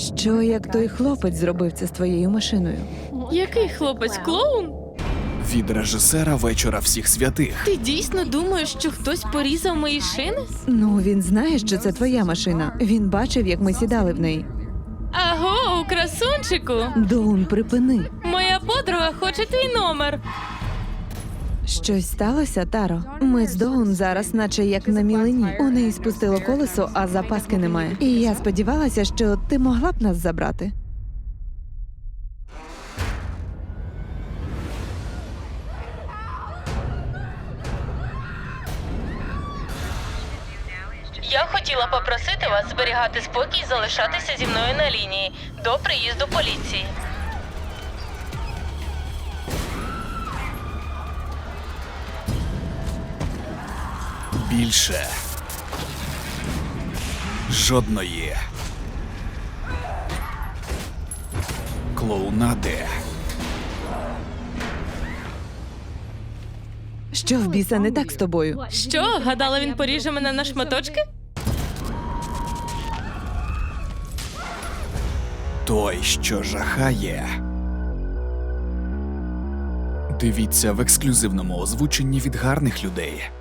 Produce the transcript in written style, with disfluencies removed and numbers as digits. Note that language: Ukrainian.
Що як той хлопець зробив це з твоєю машиною? Який хлопець, клоун? Від режисера «Вечора всіх святих». Ти дійсно думаєш, що хтось порізав мої шини? Ну, він знає, що це твоя машина. Він бачив, як ми сідали в неї. Аго, красунчику! Доун, припини. Моя подруга хоче твій номер. Щось сталося, Таро? Ми з Доун зараз наче як на мілині. У неї спустило колесо, а запаски немає. І я сподівалася, що ти могла б нас забрати. Я хотіла попросити вас зберігати спокій і залишатися зі мною на лінії до приїзду поліції. Більше жодної клоунади. Що в біса не так з тобою? Що, гадала, він поріже мене на шматочки? Той, що жахає. Дивіться в ексклюзивному озвученні від гарних людей.